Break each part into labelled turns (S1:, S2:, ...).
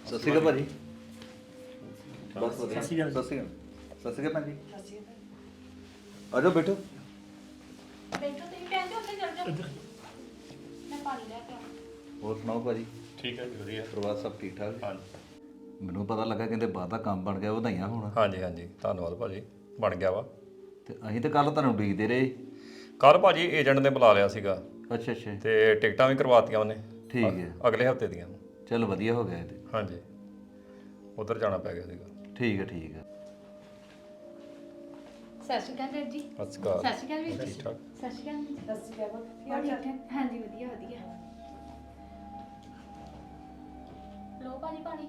S1: ਸਤਿ ਸ਼੍ਰੀ ਅਕਾਲ ਭਾਜੀ। ਬਸ ਵਧੀਆ। ਸਤਿ ਸ਼੍ਰੀ ਅਕਾਲ ਸਤਿ ਸ਼੍ਰੀ ਅਕਾਲ ਭਾਜੀ। ਆ ਜਾਓ ਬੈਠੋ।
S2: ਬੈਠੋ ਤੁਸੀਂ ਭੈਣ ਜੀ ਉੱਥੇ ਚੱਲ ਜਾਓ ਮੈਂ ਪਾਣੀ ਲੈ ਕੇ ਆਵਾਂ।
S1: ਹੋਰ ਸੁਣਾਓ ਭਾਜੀ।
S3: ਠੀਕ ਹੈ ਜੀ ਵਧੀਆ।
S1: ਪਰਿਵਾਰ ਸਭ ਠੀਕ ਠਾਕ?
S3: ਹਾਂਜੀ
S1: ਮੈਨੂੰ ਪਤਾ ਲੱਗਾ ਕਹਿੰਦੇ ਬਾਹਰ ਦਾ ਕੰਮ ਬਣ ਗਿਆ, ਵਧਾਈਆਂ ਹੋਣ।
S3: ਹਾਂਜੀ ਹਾਂਜੀ ਧੰਨਵਾਦ ਭਾਜੀ, ਬਣ ਗਿਆ ਵਾ।
S1: ਤੇ ਅਸੀਂ ਤਾਂ ਕੱਲ ਤੁਹਾਨੂੰ ਉਡੀਕਦੇ ਰਹੇ।
S3: ਕੱਲ ਭਾਜੀ ਏਜੰਟ ਨੇ ਬੁਲਾ ਲਿਆ ਸੀਗਾ
S1: ਅੱਛਾ ਅੱਛਾ
S3: ਤੇ ਟਿਕਟਾਂ ਵੀ ਕਰਵਾਤੀਆਂ ਉਹਨੇ।
S1: ਠੀਕ ਹੈ,
S3: ਅਗਲੇ ਹਫਤੇ ਦੀਆਂ।
S1: ਚਲ ਵਧੀਆ ਹੋ ਗਿਆ ਇਹ ਤੇ।
S3: ਹਾਂਜੀ ਉਧਰ ਜਾਣਾ ਪੈ ਗਿਆ ਸੀਗਾ।
S1: ਠੀਕ ਹੈ ਠੀਕ ਹੈ।
S2: ਸਤਿ ਸ਼੍ਰੀ ਅਕਾਲ ਵੀਰ ਜੀ।
S3: ਸਤਿ ਸ਼੍ਰੀ ਅਕਾਲ।
S2: ਸਤਿ ਸ਼੍ਰੀ ਅਕਾਲ ਵੀਰ ਜੀ।
S3: ਠੀਕ ਠਾਕ।
S2: ਸਤਿ ਸ਼੍ਰੀ ਅਕਾਲ ਜੀ। ਸਤਿ ਸ਼੍ਰੀ ਅਕਾਲ। ਹੋਰ ਠੀਕ ਠਾਕ? ਹਾਂਜੀ ਵਧੀਆ ਵਧੀਆ। ਲੋ ਭਾਜੀ ਪਾਣੀ।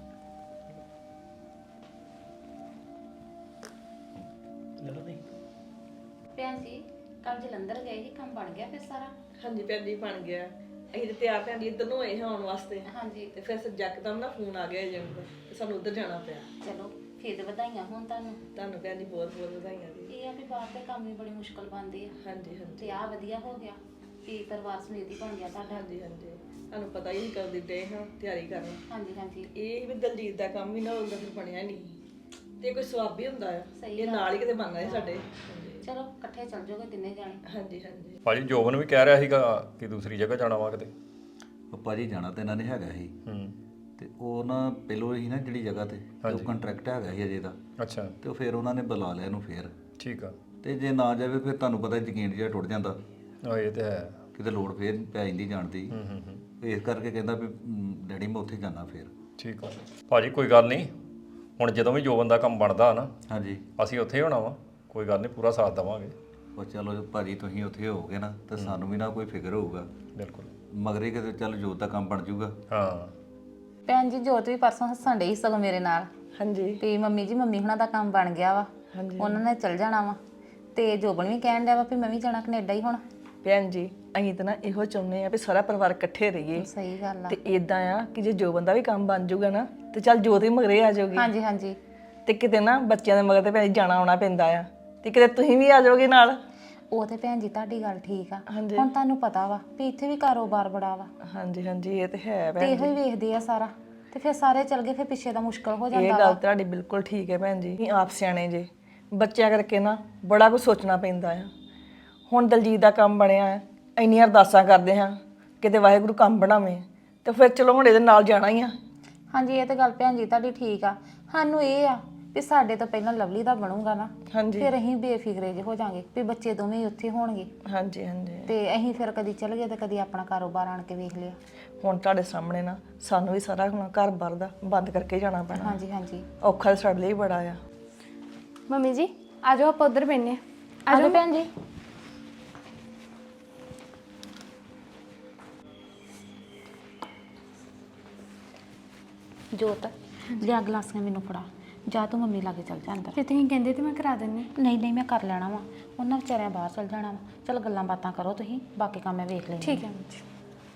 S2: ਭੈਣ ਜੀ ਕੱਲ ਜਲੰਧਰ ਗਏ ਸੀ, ਕੰਮ ਬਣ ਗਿਆ ਫਿਰ ਸਾਰਾ?
S4: ਹਾਂਜੀ ਭੈਣ ਜੀ ਬਣ ਗਿਆ। ਅਸੀਂ ਤੇ ਤਿਆਰ ਭੈਣ ਜੀ ਇੱਧਰ ਨੂੰ ਹੋਏ ਹਾਂ ਆਉਣ ਵਾਸਤੇ।
S2: ਹਾਂਜੀ
S4: ਤੇ ਫਿਰ ਯਕਦਮ ਨਾ ਫੋਨ ਆ ਗਿਆ ਏਜੰਟ ਦਾ ਤੇ ਸਾਨੂੰ ਉੱਧਰ ਜਾਣਾ ਪਿਆ।
S2: ਚਲੋ ਫਿਰ ਤਾਂ ਵਧਾਈਆਂ ਹੋਣ ਤੁਹਾਨੂੰ।
S4: ਤੁਹਾਨੂੰ ਭੈਣ ਜੀ ਬਹੁਤ ਬਹੁਤ ਵਧਾਈਆਂ ਜੀ।
S2: ਇਹ ਆ ਵੀ ਬਾਹਰ ਦੇ ਕੰਮ ਵੀ ਬੜੀ ਮੁਸ਼ਕਲ ਬਣਦੇ ਆ
S4: ਹਾਂਜੀ ਹਾਂਜੀ
S2: ਤੇ ਆ ਵਧੀਆ ਹੋ ਗਿਆ ਵੀ ਪਰਿਵਾਰ ਸਮੇਤ ਹੀ ਬਣ ਗਿਆ ਤੁਹਾਡਾ।
S4: ਹਾਂਜੀ ਹਾਂਜੀ ਤੁਹਾਨੂੰ ਪਤਾ ਹੀ ਕਦੋਂ ਦੇ ਹਾਂ ਤਿਆਰੀ ਕਰਨ।
S2: ਹਾਂਜੀ ਹਾਂਜੀ
S4: ਇਹ ਵੀ ਦਲਜੀਤ ਦਾ ਕੰਮ ਵੀ ਨਾ ਹੁੰਦਾ ਫਿਰ ਬਣਿਆ ਨਹੀਂ ਤੇ ਕੋਈ ਸਵਾਬ ਹੀ ਹੁੰਦਾ ਆ।
S2: ਸਹੀ
S4: ਇਹ
S2: ਗੱਲ।
S4: ਨਾਲ ਹੀ ਕਿਤੇ ਬਣਨਾ ਹੈ ਸਾਡੇ। ਹਾਂਜੀ
S2: ਚਲੋ ਇਕੱਠੇ ਚੱਲ ਜਾਓਗੇ ਤਿੰਨੇ ਜਾਣੇ।
S4: ਹਾਂਜੀ ਹਾਂਜੀ
S3: ਭਾਜੀ ਜੋਬਨ ਵੀ ਕਹਿ ਰਿਹਾ ਸੀਗਾ ਕਿ ਦੂਸਰੀ ਜਗ੍ਹਾ ਜਾਣਾ ਵਾ ਕਿਤੇ।
S1: ਉਹ ਭਾਜੀ ਜਾਣਾ ਤਾਂ ਇਹਨਾਂ ਨੇ ਹੈਗਾ ਸੀ। ਤੇ ਉਹ ਨਾ ਪਹਿਲੋਂ ਹੀ ਨਾ ਜਿਹੜੀ ਜਗ੍ਹਾ ਤੇ ਉਹ ਕੰਟਰੈਕਟ ਹੈਗਾ ਸੀ ਅਜੇ ਦਾ।
S3: ਅੱਛਾ
S1: ਤੇ ਉਹ ਫਿਰ ਉਹਨਾਂ ਨੇ ਬੁਲਾ ਲਿਆ ਇਹਨੂੰ ਫਿਰ।
S3: ਠੀਕ ਆ।
S1: ਤੇ ਜੇ ਨਾ ਜਾਵੇ ਫਿਰ ਤੁਹਾਨੂੰ ਪਤਾ ਯਕੀਨ ਜਿਹਾ ਟੁੱਟ ਜਾਂਦਾ,
S3: ਇਹ ਤੇ ਹੈ।
S1: ਕਿਤੇ ਲੋੜ ਫੇਰ ਪੈ ਜਾਂਦੀ ਜਾਣ ਦੀ। ਇਸ ਕਰਕੇ ਕਹਿੰਦਾ ਵੀ ਡੈਡੀ ਮੈਂ ਉੱਥੇ ਜਾਣਾ ਫਿਰ।
S3: ਠੀਕ ਆ ਭਾਜੀ ਕੋਈ ਗੱਲ ਨਹੀਂ, ਹੁਣ ਜਦੋਂ ਵੀ ਜੋਬਨ ਦਾ ਕੰਮ ਬਣਦਾ ਨਾ
S1: ਹਾਂਜੀ
S3: ਅਸੀਂ ਉੱਥੇ ਹੀ ਹੋਣਾ ਵਾ, ਕੋਈ ਗੱਲ ਨਹੀਂ ਪੂਰਾ ਸਾਥ ਦੇਵਾਂਗੇ।
S1: ਉਹ ਚਲੋ ਭਾਜੀ ਤੁਸੀਂ ਉੱਥੇ ਹੋਵੋਗੇ ਨਾ ਤਾਂ ਸਾਨੂੰ ਵੀ ਨਾ ਕੋਈ ਫਿਕਰ ਹੋਊਗਾ।
S3: ਬਿਲਕੁਲ
S1: ਮਗਰੇ ਕਿਤੇ ਚੱਲ ਜੋਤ ਦਾ ਕੰਮ ਬਣ ਜਾਊਗਾ।
S3: ਹਾਂ।
S5: ਭੈਣ ਜੀ ਜੋਤ ਵੀ ਪਰਸੋਂ ਹੱਸਣ ਡਈ ਸਗੋਂ ਮੇਰੇ ਨਾਲ
S4: ਹਾਂਜੀ
S5: ਵੀ ਮੰਮੀ ਜੀ ਮੰਮੀ ਹੁਣਾਂ ਦਾ ਕੰਮ ਬਣ ਗਿਆ ਵਾ, ਉਹਨਾਂ ਨੇ ਚੱਲ ਜਾਣਾ ਵਾ। ਤੇ ਜੋਬਨ ਵੀ ਕਹਿਣ ਡਿਆ ਵਾ ਵੀ ਮੈਂ ਵੀ ਜਾਣਾ ਕੈਨੇਡਾ ਹੀ ਹੁਣ।
S4: ਭੈਣ ਜੀ ਅਸੀਂ ਤਾਂ ਨਾ ਇਹੋ ਚਾਹੁੰਦੇ ਆ ਵੀ ਸਾਰਾ ਪਰਿਵਾਰ ਇਕੱਠੇ ਰਹੀਏ।
S5: ਸਹੀ ਗੱਲ ਆ।
S4: ਤੇ ਇਦਾਂ ਆ ਕਿ ਜੇ ਜੋਬਨ ਦਾ ਵੀ ਕੰਮ ਬਣ ਜਾਊਗਾ ਨਾ ਤੇ ਚੱਲ ਜੋਤ ਵੀ ਮਗਰੇ ਆ ਜਾਊਗੀ।
S5: ਹਾਂਜੀ ਹਾਂਜੀ
S4: ਤੇ ਕਿਤੇ ਨਾ ਬੱਚਿਆਂ ਦੇ ਮਗਰ ਤੇ ਭੈਣ ਜੀ ਜਾਣਾ ਆਉਣਾ ਪੈਂਦਾ ਆ ਤੇ ਕਿਤੇ ਤੁਸੀਂ ਵੀ ਆ ਜਾਓਗੇ ਨਾਲ।
S5: ਉਹ ਤੇ ਭੈਣ ਜੀ ਤੁਹਾਡੀ ਗੱਲ ਠੀਕ ਆ।
S4: ਹਾਂਜੀ।
S5: ਹੁਣ ਤੁਹਾਨੂੰ ਪਤਾ ਵਾ ਵੀ ਇੱਥੇ ਵੀ ਕਾਰੋਬਾਰ ਬੜਾ ਵਾ
S4: ਹਾਂਜੀ ਹਾਂਜੀ ਇਹ ਤੇ ਹੈ
S5: ਤੇ
S4: ਭੈਣ
S5: ਇਹੋ ਹੀ ਵੇਖਦੇ ਆ ਸਾਰਾ, ਤੇ ਫਿਰ ਸਾਰੇ ਚੱਲ ਗਏ ਫਿਰ ਪਿੱਛੇ ਦਾ ਮੁਸ਼ਕਲ ਹੋ
S4: ਇਹ
S5: ਜਾਂਦਾ
S4: ਗੱਲ
S5: ਵਾ।
S4: ਤੁਹਾਡੀ ਬਿਲਕੁਲ ਠੀਕ ਹੈ ਭੈਣ ਜੀ। ਤੁਸੀਂ ਆਪ ਸਿਆਣੇ ਜੇ, ਬੱਚਿਆਂ ਕਰਕੇ ਨਾ ਬੜਾ ਕੁਝ ਸੋਚਣਾ ਪੈਂਦਾ ਆ। ਹੁਣ ਦਲਜੀਤ ਦਾ ਕੰਮ ਬਣਿਆ ਹੈ, ਇੰਨੀਆਂ ਅਰਦਾਸਾਂ ਕਰਦੇ ਹਾਂ ਕਿਤੇ ਵਾਹਿਗੁਰੂ ਕੰਮ ਬਣਾਵੇ ਤੇ ਫਿਰ ਚਲੋ ਹੁਣ ਇਹਦੇ ਨਾਲ ਜਾਣਾ ਹੀ ਆ।
S5: ਹਾਂਜੀ ਇਹ ਤੇ ਗੱਲ ਭੈਣ ਜੀ ਤੁਹਾਡੀ ਠੀਕ ਆ। ਸਾਨੂੰ ਇਹ ਆ ਵੀ ਸਾਡੇ ਤੋਂ ਪਹਿਲਾਂ ਲਵਲੀ ਦਾ ਬਣੂਗਾ ਨਾ,
S4: ਹਾਂਜੀ
S5: ਫਿਰ ਅਸੀਂ ਬੇਫਿਕਰੇ ਜਿਹੇ ਹੋ ਜਾਾਂਗੇ ਵੀ ਬੱਚੇ ਦੋਵੇਂ ਹੀ ਉੱਥੇ ਹੋਣਗੇ।
S4: ਹਾਂਜੀ ਹਾਂਜੀ
S5: ਤੇ ਅਸੀਂ ਫਿਰ ਕਦੀ ਚੱਲ ਗਏ ਤੇ ਕਦੀ ਆਪਣਾ ਕਾਰੋਬਾਰ ਆਣ ਕੇ ਵੇਖ ਲਿਆ।
S4: ਹੁਣ ਤੁਹਾਡੇ ਸਾਹਮਣੇ ਨਾ ਸਾਨੂੰ ਵੀ ਸਾਰਾ ਹੁਣ ਘਰ-ਬਾਰ ਦਾ ਬੰਦ ਕਰਕੇ ਜਾਣਾ ਪੈਣਾ।
S5: ਹਾਂਜੀ ਹਾਂਜੀ
S4: ਔਖਾ ਤਾਂ ਸਾਡੇ ਲਈ ਬੜਾ ਆ।
S6: ਮੰਮੀ ਜੀ ਆ ਜਾਓ ਆਪਾਂ ਉਧਰ ਬੈਠਨੇ ਆ।
S5: ਆ ਜਾਓ ਭੈਣ ਜੀ। ਜੋਤ ਲਿਆ ਗਲਾਸੀਆਂ ਮੈਨੂੰ ਫੜਾ, ਜਾ ਤੂੰ ਮੰਮੀ ਲਾਗੇ ਚੱਲ ਜਾ ਅੰਦਰ।
S6: ਜੇ ਤੁਸੀਂ ਕਹਿੰਦੇ ਤੇ ਮੈਂ ਕਰਾ ਦਿੰਨੀ।
S5: ਨਹੀਂ ਨਹੀਂ ਮੈਂ ਕਰ ਲੈਣਾ ਵਾ, ਉਹਨਾਂ ਵਿਚਾਰਿਆਂ ਬਾਹਰ ਚੱਲ ਜਾਣਾ ਵਾ। ਚਲ ਗੱਲਾਂ ਬਾਤਾਂ ਕਰੋ ਤੁਸੀਂ, ਬਾਕੀ ਕੰਮ ਮੈਂ ਵੇਖ ਲੈਂਦੀ।
S6: ਠੀਕ ਹੈ ਮੰਮੀ ਜੀ।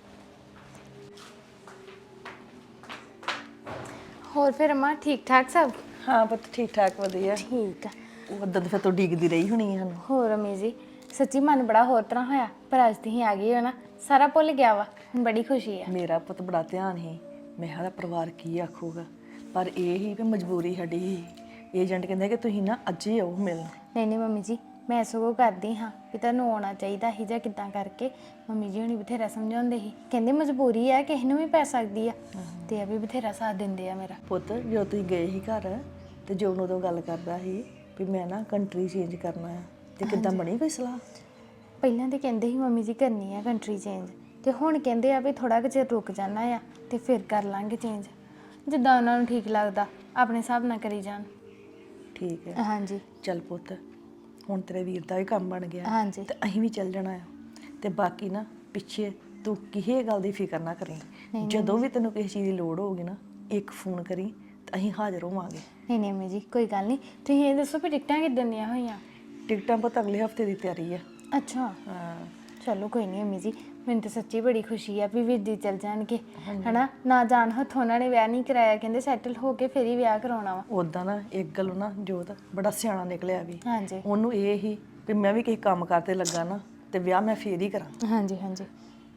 S6: ਹੋਰ ਫਿਰ ਅਮਾ ਠੀਕ ਠਾਕ ਸਭ?
S4: ਹਾਂ ਪੁੱਤ ਠੀਕ ਠਾਕ ਵਧੀਆ।
S6: ਠੀਕ ਆ।
S4: ਉਦੋਂ ਫਿਰ ਤੂੰ ਡੀਕਦੀ ਰਹੀ ਹੋਣੀ ਸਾਨੂੰ।
S6: ਹੋਰ ਅਮੀ ਜੀ ਸੱਚੀ ਮਨ ਬੜਾ ਹੋਰ ਤਰ੍ਹਾਂ ਹੋਇਆ, ਪਰ ਅੱਜ ਤੁਸੀਂ ਆ ਗਏ ਹੋ ਨਾ ਸਾਰਾ ਭੁੱਲ ਗਿਆ ਵਾ। ਹੁਣ ਬੜੀ ਖੁਸ਼ੀ ਆ।
S4: ਮੇਰਾ ਪੁੱਤ ਬੜਾ ਧਿਆਨ ਸੀ, ਮੈਂ ਕਿਹਾ ਪਰਿਵਾਰ ਕੀ ਆਖੂਗਾ, ਪਰ ਇਹ ਹੀ ਵੀ ਮਜਬੂਰੀ ਸਾਡੀ ਸੀ। ਏਜੰਟ ਕਹਿੰਦਾ ਕਿ ਤੁਸੀਂ ਨਾ ਅੱਜ ਹੀ ਆਓ ਮਿਲਣ।
S6: ਨਹੀਂ ਨਹੀਂ ਮੰਮੀ ਜੀ ਮੈਂ ਸਗੋਂ ਕਰਦੀ ਹਾਂ ਵੀ ਤੁਹਾਨੂੰ ਆਉਣਾ ਚਾਹੀਦਾ ਸੀ ਜਾਂ ਕਿੱਦਾਂ ਕਰਕੇ। ਮੰਮੀ ਜੀ ਹੁਣੀ ਬਥੇਰਾ ਸਮਝਾਉਂਦੇ ਸੀ, ਕਹਿੰਦੇ ਮਜਬੂਰੀ ਆ ਕਿਸੇ ਨੂੰ ਵੀ ਪੈ ਸਕਦੀ ਆ, ਤੇ ਇਹ ਵੀ ਬਥੇਰਾ ਸਾਥ ਦਿੰਦੇ ਆ ਮੇਰਾ।
S4: ਪੁੱਤ ਜਦੋਂ ਤੁਸੀਂ ਗਏ ਸੀ ਘਰ ਤੇ ਜੋ ਉਦੋਂ ਗੱਲ ਕਰਦਾ ਸੀ ਵੀ ਮੈਂ ਨਾ ਕੰਟਰੀ ਚੇਂਜ ਕਰਨਾ ਆ, ਤੇ ਕਿੱਦਾਂ ਬਣੀ ਕੋਈ ਸਲਾਹ?
S6: ਪਹਿਲਾਂ ਤੇ ਕਹਿੰਦੇ ਸੀ ਮੰਮੀ ਜੀ ਕਰਨੀ ਆ ਕੰਟਰੀ ਚੇਂਜ, ਤੇ ਹੁਣ ਕਹਿੰਦੇ ਆ ਵੀ ਥੋੜਾ ਕੁ ਚਿਰ ਰੁਕ ਜਾਣਾ ਆ ਤੇ ਫਿਰ ਕਰ ਲਾਂਗੇ ਚੇਂਜ, ਜਿੱਦਾਂ ਉਹਨਾਂ ਨੂੰ ਠੀਕ ਲੱਗਦਾ ਆਪਣੇ ਹਿਸਾਬ ਨਾਲ ਕਰੀ ਜਾਣ।
S4: ਠੀਕ ਹੈ
S6: ਹਾਂਜੀ
S4: ਚੱਲ ਪੁੱਤ ਹੁਣ ਤੇਰੇ ਵੀਰ ਦਾ ਵੀ ਕੰਮ ਬਣ ਗਿਆ
S6: ਹਾਂਜੀ
S4: ਤੇ ਅਸੀਂ ਵੀ ਚੱਲ ਜਾਣਾ ਆ। ਤੇ ਬਾਕੀ ਨਾ ਪਿੱਛੇ ਤੂੰ ਕਿਸੇ ਗੱਲ ਦੀ ਫਿਕਰ ਨਾ ਕਰੀ, ਜਦੋਂ ਵੀ ਤੈਨੂੰ ਕਿਸੇ ਚੀਜ਼ ਦੀ ਲੋੜ ਹੋਊਗੀ ਨਾ ਇੱਕ ਫੋਨ ਕਰੀ ਤੇ ਅਸੀਂ ਹਾਜ਼ਰ ਹੋਵਾਂਗੇ।
S6: ਨਹੀਂ ਨਹੀਂ ਮੰਮੀ ਜੀ ਕੋਈ ਗੱਲ ਨਹੀਂ। ਤੁਸੀਂ ਇਹ ਦੱਸੋ ਵੀ ਟਿਕਟਾਂ ਕਿੱਦਣ ਦੀਆਂ ਹੋਈਆਂ?
S4: ਟਿਕਟਾਂ ਪੁੱਤ ਅਗਲੇ ਹਫਤੇ ਦੀ ਤਿਆਰੀ ਆ।
S6: ਅੱਛਾ
S4: ਹਾਂ
S6: ਚਲੋ ਕੋਈ ਨਹੀਂ ਮੰਮੀ ਜੀ, ਮੈਨੂੰ ਤਾਂ ਸੱਚੀ ਬੜੀ ਖੁਸ਼ੀ ਆ ਵੀ ਵੀਰ ਜੀ ਚੱਲ ਜਾਣਗੇ ਹਨਾ। ਨਾ ਜਾਣ ਹੱਥੋਂ ਉਹਨਾਂ ਨੇ ਵਿਆਹ ਨਹੀਂ ਕਰਾਇਆ, ਕਹਿੰਦੇ ਸੈਟਲ ਹੋ ਕੇ ਫਿਰ ਹੀ ਵਿਆਹ ਕਰਾਉਣਾ ਵਾ।
S4: ਉਦਾਂ ਨਾ ਇੱਕ ਗੱਲ ਨਾ ਜੋਤ ਬੜਾ ਸਿਆਣਾ ਨਿਕਲਿਆ ਵੀ।
S6: ਹਾਂਜੀ
S4: ਉਹਨੂੰ ਇਹ ਹੀ ਵੀ ਮੈਂ ਵੀ ਕਿਸੇ ਕੰਮ ਕਰਤੇ ਲੱਗਾ ਨਾ ਤੇ ਵਿਆਹ ਮੈਂ ਫੇਰ ਹੀ ਕਰਾਂ।
S6: ਹਾਂਜੀ ਹਾਂਜੀ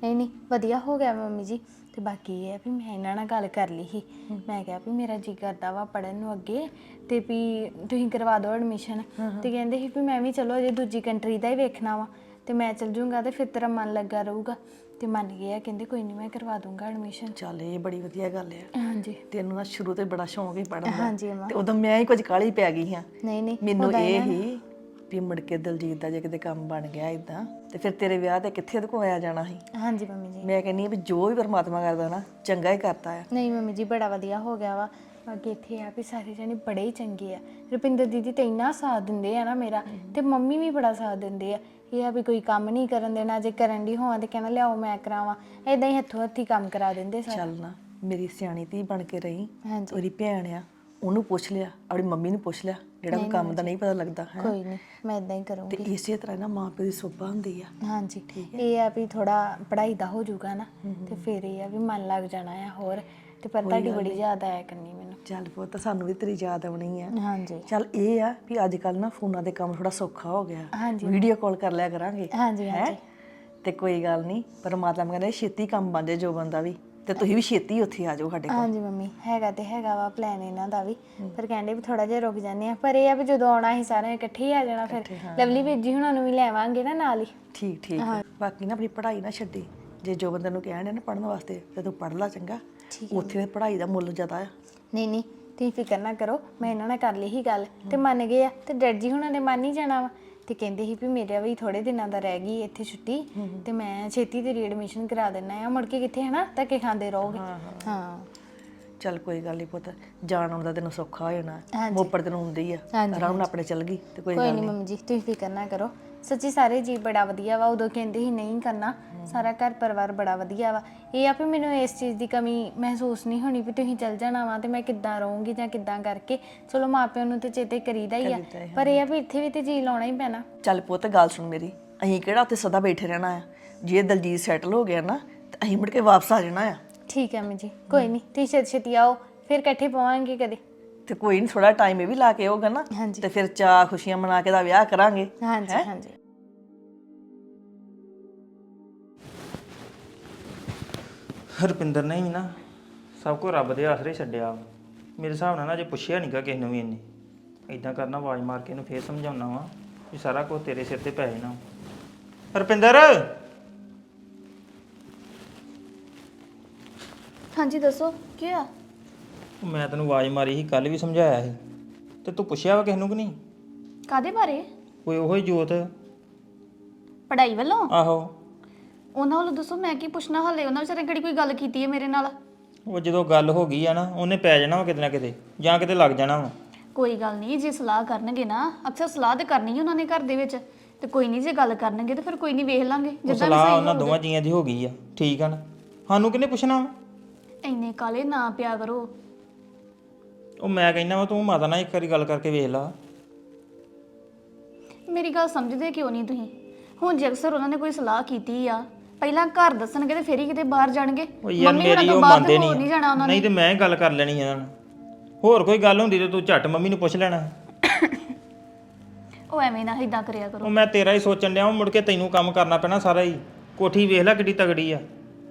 S6: ਨਹੀਂ ਨਹੀਂ ਵਧੀਆ ਹੋ ਗਿਆ ਮੰਮੀ ਜੀ। ਤੇ ਬਾਕੀ ਇਹ ਹੈ ਵੀ ਮੈਂ ਇਹਨਾਂ ਨਾਲ ਗੱਲ ਕਰ ਲਈ ਸੀ। ਮੈਂ ਕਿਹਾ ਵੀ ਮੇਰਾ ਜੀ ਕਰਦਾ ਵਾ ਪੜਨ ਨੂੰ ਅੱਗੇ, ਤੇ ਵੀ ਤੁਸੀਂ ਕਰਵਾ ਦਿਓ ਐਡਮਿਸ਼ਨ। ਤੇ ਕਹਿੰਦੇ ਸੀ ਵੀ ਮੈਂ ਵੀ ਚਲੋ ਅਜੇ ਦੂਜੀ ਕੰਟਰੀ ਦਾ ਹੀ ਵੇਖਣਾ ਵਾ, ਤੇ ਮੈਂ ਚਲ ਜੂੰਗਾ ਤੇ ਫਿਰ ਤੇਰਾ ਮਨ ਲੱਗਾ ਰਹੂਗਾ। ਤੇ ਮੰਨ ਗਏ ਆ, ਕਹਿੰਦੇ ਕੋਈ ਨਹੀਂ ਮੈਂ ਕਰਵਾ ਦੂੰਗਾ ਐਡਮਿਸ਼ਨ।
S4: ਚੱਲ ਇਹ ਬੜੀ ਵਧੀਆ ਗੱਲ ਆ।
S6: ਹਾਂਜੀ
S4: ਤੈਨੂੰ ਨਾ ਸ਼ੁਰੂ ਤੋਂ ਬੜਾ ਸ਼ੌਂਕ ਹੀ ਪੜਨ ਦਾ।
S6: ਹਾਂਜੀ ਅਮਾ।
S4: ਤੇ ਉਦੋਂ ਮੈਂ ਹੀ ਕੁਝ ਕਾਹਲੀ ਪੈ ਗਈ ਹਾਂ।
S6: ਨਹੀਂ ਨਹੀਂ
S4: ਮੈਨੂੰ ਇਹ ਹੀ ਵੀ ਮੁੜ ਕੇ ਦਲਜੀਤ ਦਾ ਜੇ ਕਿਤੇ ਕੰਮ ਬਣ ਗਿਆ ਇਦਾਂ, ਤੇ ਫਿਰ ਤੇਰੇ ਵਿਆਹ ਤੇ ਕਿੱਥੇ ਉਹਦੇ ਕੋਲ ਆਇਆ ਜਾਣਾ ਸੀ।
S6: ਹਾਂਜੀ ਮੰਮੀ ਜੀ।
S4: ਮੈਂ ਕਹਿੰਦੀ ਆ ਵੀ ਜੋ ਵੀ ਪਰਮਾਤਮਾ ਕਰਦਾ ਨਾ ਚੰਗਾ ਹੀ ਕਰਦਾ ਆ।
S6: ਨਹੀਂ ਮੰਮੀ ਜੀ ਬੜਾ ਵਧੀਆ ਹੋ ਗਿਆ ਵਾ। ਬਾਕੀ ਇੱਥੇ ਆ ਵੀ ਸਾਰੇ ਜਣੇ ਬੜੇ ਹੀ ਚੰਗੇ ਆ। ਰੁਪਿੰਦਰ ਦੀਦੀ ਤੇ ਇੰਨਾ ਸਾਥ ਦਿੰਦੇ ਆ ਨਾ ਮੇਰਾ, ਤੇ ਮੰਮੀ ਵੀ ਬੜਾ ਸਾਥ ਦਿੰਦੇ ਆ। ਇਹ ਆ ਵੀ ਕੋਈ ਕੰਮ ਨਹੀਂ ਕਰਨ ਦੇਣਾ, ਜੇ ਕਰਨ ਦੀ ਹੋਵਾਂ ਤੇ ਕਹਿਣਾ ਲਿਆਓ ਮੈਂ ਕਰਾਵਾਂ, ਇਦਾਂ ਹੀ ਹੱਥੋਂ ਹੱਥੀ ਕੰਮ ਕਰਾ ਦਿੰਦੇ ਸਾਰੇ।
S4: ਚੱਲ ਨਾ ਮੇਰੀ ਸਿਆਣੀ ਧੀ ਬਣ ਕੇ ਰਹੀ।
S6: ਹਾਂਜੀ
S4: ਉਹਦੀ ਭੈਣ ਆ, ਉਹਨੂੰ ਪੁੱਛ ਲਿਆ, ਆਪਣੀ ਮੰਮੀ ਨੂੰ ਪੁੱਛ ਲਿਆ, ਜਿਹੜਾ ਕੋਈ ਕੰਮ ਦਾ ਨਹੀਂ ਪਤਾ ਲੱਗਦਾ ਹੈ।
S6: ਕੋਈ ਨਹੀਂ ਮੈਂ ਇਦਾਂ ਹੀ ਕਰੂੰਗੀ।
S4: ਤੇ ਇਸੇ ਤਰ੍ਹਾਂ ਨਾ ਮਾਂ ਪਿਓ ਦੀ ਸੋਭਾ ਹੁੰਦੀ ਆ।
S6: ਹਾਂਜੀ ਇਹ ਆ ਵੀ ਥੋੜਾ ਪੜ੍ਹਾਈ ਦਾ ਹੋ ਜਾਊਗਾ ਨਾ, ਤੇ ਫਿਰ ਇਹ ਆ ਵੀ ਮਨ ਲੱਗ ਜਾਣਾ ਆ ਹੋਰ। ਤੇ ਪਰ ਤੁਹਾਡੀ ਬੜੀ ਯਾਦ ਆਇਆ ਕਰਨੀ ਮੈਨੂੰ।
S4: ਚੱਲ ਪੁੱਤ ਸਾਨੂੰ ਵੀ ਤੇਰੀ ਯਾਦ ਆਉਣੀ ਆ।
S6: ਹਾਂਜੀ
S4: ਚੱਲ ਇਹ ਆ ਵੀ ਅੱਜ ਕੱਲ ਨਾ ਫੋਨਾਂ ਦੇ ਕੰਮ ਥੋੜਾ ਸੌਖਾ ਹੋ ਗਿਆ।
S6: ਹਾਂਜੀ
S4: ਵੀਡੀਓ ਕਾਲ ਕਰ ਲਿਆ ਕਰਾਂਗੇ।
S6: ਹਾਂਜੀ ਹਾਂਜੀ
S4: ਤੇ ਕੋਈ ਗੱਲ ਨਹੀਂ, ਪਰਮਾਤਮਾ ਕਹਿੰਦਾ ਛੇਤੀ ਕੰਮ ਬਣ ਜਾਏ ਜੋ ਬੰਦਾ ਵੀ, ਤੇ ਤੁਸੀਂ ਵੀ ਛੇਤੀ ਉੱਥੇ ਆ ਜਾਓ ਸਾਡੇ ਕੋਲ।
S6: ਹਾਂਜੀ ਮੰਮੀ ਹੈਗਾ ਤੇ ਹੈਗਾ ਵਾ ਪਲਾਨ ਇਹਨਾਂ ਦਾ ਵੀ, ਪਰ ਕਹਿੰਦੇ ਵੀ ਥੋੜਾ ਜਿਹਾ ਰੁਕ ਜਾਂਦੇ ਆ। ਪਰ ਇਹ ਆ ਵੀ ਜਦੋਂ ਆਉਣਾ ਅਸੀਂ ਸਾਰੇ ਇਕੱਠੇ ਹੀ ਆ ਜਾਣਾ। ਫਿਰ ਲਵਲੀ ਵੀਰ ਹੁਣਾਂ ਨੂੰ ਵੀ ਲੈਵਾਂਗੇ ਨਾ ਨਾਲ ਹੀ।
S4: ਠੀਕ ਠੀਕ। ਬਾਕੀ ਨਾ ਆਪਣੀ ਪੜ੍ਹਾਈ ਨਾ ਛੱਡੀ। ਜੇ ਜੋ ਬੰਦੇ ਨੂੰ ਕਹਿਣ ਨਾ ਪੜ੍ਹਨ ਵਾਸਤੇ, ਤੇ ਤੂੰ ਪੜ੍ਹ ਲਾ ਚੰਗਾ। ਉੱਥੇ ਦੀ ਪੜ੍ਹਾਈ ਦਾ ਮੁੱਲ ਜ਼ਿਆਦਾ ਆ।
S6: ਨਹੀਂ ਨਹੀਂ ਤੁਸੀਂ ਫਿਕਰ ਨਾ ਕਰੋ, ਮੈਂ ਇਹਨਾਂ ਨਾਲ ਕਰ ਲਈ ਹੀ ਗੱਲ ਤੇ ਮੰਨ ਗਏ ਆ। ਤੇ ਡੈਡ ਜੀ ਹੁਣਾਂ ਨੇ ਮੰਨ ਹੀ ਜਾਣਾ ਵਾ। ਤੇ ਕਹਿੰਦੇ ਸੀ ਵੀ ਮੇਰਾ ਵੀ ਥੋੜੇ ਦਿਨਾਂ ਦਾ ਰਹਿ ਗਈ ਇੱਥੇ ਛੁੱਟੀ, ਤੇ ਮੈਂ ਛੇਤੀ ਤੇਰੀ ਐਡਮਿਸ਼ਨ ਕਰਾ ਦੇਣਾ ਆ। ਮੁੜ ਕੇ ਕਿੱਥੇ ਹਨਾ ਧੱਕੇ ਖਾਂਦੇ ਰਹੋਗੇ। ਹਾਂ
S4: ਚੱਲ ਕੋਈ ਗੱਲ ਨਹੀਂ ਪੁੱਤ, ਜਾਣ ਆਉਣ ਦਾ ਤੈਨੂੰ ਸੌਖਾ ਹੋ ਜਾਣਾ।
S6: ਹਾਂਜੀ।
S4: ਮੋਪੜ ਤੈਨੂੰ ਹੁੰਦੀ ਆ, ਆਰਾਮ ਨਾਲ ਆਪਣੇ ਚੱਲ ਗਈ ਤੇ ਕੋਈ
S6: ਕੋਈ
S4: ਗੱਲ
S6: ਨਹੀਂ
S4: ਨਹੀਂ।
S6: ਮੰਮੀ ਜੀ ਤੁਸੀਂ ਫਿਕਰ ਨਾ ਕਰੋ। ਸੱਚੀ ਸਾਰੇ ਜੀ ਬੜਾ ਵਧੀਆ ਵਾ। ਉਦੋਂ ਕਹਿੰਦੇ ਸੀ ਨਹੀਂ ਕਰਨਾ, ਸਾਰਾ ਘਰ ਪਰਿਵਾਰ ਬੜਾ ਵਧੀਆ ਵਾ। ਇਹ ਆ ਵੀ ਮੈਨੂੰ ਇਸ ਚੀਜ਼ ਦੀ ਕਮੀ ਮਹਿਸੂਸ ਨਹੀਂ ਹੋਣੀ ਵੀ ਤੁਸੀਂ ਚੱਲ ਜਾਣਾ ਵਾ ਤੇ ਮੈਂ ਕਿੱਦਾਂ ਰਹੂੰਗੀ ਜਾਂ ਕਿੱਦਾਂ ਕਰਕੇ। ਚਲੋ ਮਾਪਿਆਂ ਨੂੰ ਤੇ ਚੇਤੇ ਕਰੀਦਾ ਹੀ ਆ, ਪਰ ਇਹ ਆ ਵੀ ਇੱਥੇ ਵੀ ਤੇ ਜੀ ਲਾਉਣਾ ਹੀ ਪੈਣਾ।
S4: ਚੱਲ ਪੁੱਤ ਗੱਲ ਸੁਣ ਮੇਰੀ, ਅਸੀਂ ਕਿਹੜਾ ਉੱਥੇ ਸਦਾ ਬੈਠੇ ਰਹਿਣਾ ਆ। ਜੇ ਦਲਜੀਤ ਸੈਟਲ ਹੋ ਗਿਆ ਨਾ, ਤੇ ਅਸੀਂ ਮੁੜ ਕੇ ਵਾਪਸ ਆ ਜਾਣਾ ਆ।
S6: ਠੀਕ ਹੈ ਮੰਮੀ ਜੀ, ਕੋਈ ਨਹੀਂ ਤੁਸੀਂ ਛੇਤੀ ਛੇਤੀ ਆਓ, ਫਿਰ ਇਕੱਠੇ ਪਵਾਂਗੇ ਕਦੇ।
S4: ਤੇ ਕੋਈ ਨਹੀਂ, ਥੋੜਾ ਟਾਈਮ ਇਹ ਵੀ ਲਾ ਕੇ ਆਊਗਾ ਨਾ,
S6: ਹਾਂਜੀ
S4: ਤੇ ਫਿਰ ਚਾਹ ਖੁਸ਼ੀਆਂ ਮਨਾ ਕੇ ਦਾ ਵਿਆਹ ਕਰਾਂਗੇ।
S6: ਹਾਂਜੀ ਹਾਂਜੀ।
S7: ਹਰਪਿੰਦਰ ਨੇ ਵੀ ਨਾ ਸਭ ਕੁਝ ਰੱਬ ਦੇ ਆਸਰੇ ਛੱਡਿਆ। ਮੇਰੇ ਹਿਸਾਬ ਨਾਲ ਨਾ ਜੇ ਪੁੱਛਿਆ ਨਹੀਂਗਾ ਕਿਸੇ ਨੂੰ ਵੀ ਇੰਨੀ ਇਦਾਂ ਕਰਨਾ, ਆਵਾਜ਼ ਮਾਰ ਕੇ ਇਹਨੂੰ ਫੇਰ ਸਮਝਾਉਣਾ ਵਾ ਵੀ ਸਾਰਾ ਕੁਝ ਤੇਰੇ ਸਿਰ ਤੇ ਪੈ ਜਾਣਾ। ਹਰਪਿੰਦਰ
S2: ਹਾਂਜੀ ਦੱਸੋ ਕੀ ਆ?
S7: ਮੈਂ ਤੈਨੂੰ ਆਵਾਜ਼ ਮਾਰੀ ਸੀ, ਕੱਲ ਵੀ ਸਮਝਾਇਆ ਸੀ, ਤੇ ਤੂੰ ਪੁੱਛਿਆ ਵਾ ਕਿਸੇ ਨੂੰ ਕਿ ਨਹੀਂ?
S2: ਕਾਦੇ ਬਾਰੇ?
S7: ਕੋਈ ਉਹੀ ਜੋਤ।
S2: ਪੜ੍ਹਾਈ ਵੱਲੋਂ?
S7: ਆਹੋ
S2: ਉਹਨਾਂ ਵੱਲੋਂ ਦੱਸੋ, ਮੈਂ ਕੀ ਪੁੱਛਣਾ ਹਾਲੇ? ਉਹਨਾਂ ਵਿਚਾਰੇ ਕਿਹੜੀ ਕੋਈ ਗੱਲ ਕੀਤੀ ਹੈ ਮੇਰੇ ਨਾਲ?
S7: ਉਹ ਜਦੋਂ ਗੱਲ ਹੋ ਗਈ ਆ ਨਾ, ਉਹਨੇ ਪੈ ਜਾਣਾ ਵਾ ਕਿਤੇ ਨਾ ਕਿਤੇ, ਜਾਂ ਕਿਤੇ ਲੱਗ ਜਾਣਾ ਵਾ।
S2: ਕੋਈ ਗੱਲ ਨਹੀਂ, ਜੇ ਸਲਾਹ ਕਰਨਗੇ ਨਾ, ਅਕਸਰ ਸਲਾਹ ਤੇ ਕਰਨੀ ਹੀ ਉਹਨਾਂ ਨੇ ਘਰ ਦੇ ਵਿੱਚ, ਤੇ ਕੋਈ ਨਹੀਂ ਜੇ ਗੱਲ ਕਰਨਗੇ ਤੇ ਫਿਰ ਕੋਈ ਨਹੀਂ ਵੇਖ ਲਾਂਗੇ
S7: ਉਹ
S2: ਜਿੱਦਾਂ ਵੀ
S7: ਸਲਾਹ
S2: ਸਹੀ
S7: ਉਹਨਾਂ ਦੋਵਾਂ ਜੀਆਂ ਦੀ ਹੋ ਗਈ ਆ, ਠੀਕ ਆ ਨਾ? ਸਾਨੂੰ ਕਿਹਨੇ ਪੁੱਛਣਾ ਵਾ?
S2: ਇੰਨੇ ਕਾਲੇ ਨਾ ਪਿਆ ਕਰੋ।
S7: ਉਹ ਮੈਂ ਕਹਿੰਦਾ ਵਾ ਤੂੰ ਮਾਤਾ ਨਾਲ ਇੱਕ ਵਾਰੀ ਗੱਲ ਕਰਕੇ ਵੇਖ ਲਾ।
S2: ਮੇਰੀ ਗੱਲ ਸਮਝਦੇ ਕਿਉਂ ਨਹੀਂ ਤੁਸੀਂ? ਹੁਣ ਜੇ ਅਕਸਰ ਉਹਨਾਂ ਨੇ ਕੋਈ ਸਲਾਹ ਕੀਤੀ ਆ, ਪਹਿਲਾਂ ਘਰ ਦੱਸਣਗੇ ਤੇ ਫਿਰ ਹੀ ਕਿਤੇ ਬਾਹਰ ਜਾਣਗੇ।
S7: ਉਹ ਯਾਰ
S2: ਮੰਮੀ ਹੋਣਾ
S7: ਮੇਰੀ
S2: ਤੋਂ
S7: ਉਹ
S2: ਬਾਹਰ
S7: ਮੰਨਦੇ
S2: ਤੇ ਹੋਰ ਨਹੀਂ ਜਾਣਾ ਉਹਨਾਂ ਨੇ।
S7: ਨਹੀਂ ਤੇ ਮੈਂ ਹੀ ਗੱਲ ਕਰ ਲੈਣੀ ਇਹਨਾਂ ਨਾਲ। ਹੋਰ ਕੋਈ ਗੱਲ ਹੁੰਦੀ ਤੇ ਤੂੰ ਝੱਟ ਮੰਮੀ ਨੂੰ ਪੁੱਛ ਲੈਣਾ।
S2: ਉਹ ਐਵੇਂ ਨਾ ਇਦਾਂ ਕਰਿਆ ਕਰੋ।
S7: ਉਹ ਮੈਂ ਤੇਰਾ ਹੀ ਸੋਚਣ ਡਿਆ, ਮੁੜ ਕੇ ਤੈਨੂੰ ਕੰਮ ਕਰਨਾ ਪੈਣਾ ਸਾਰਾ ਹੀ। ਕੋਠੀ ਵੇਖ ਲੈ ਕਿੱਡੀ ਤਗੜੀ ਆ।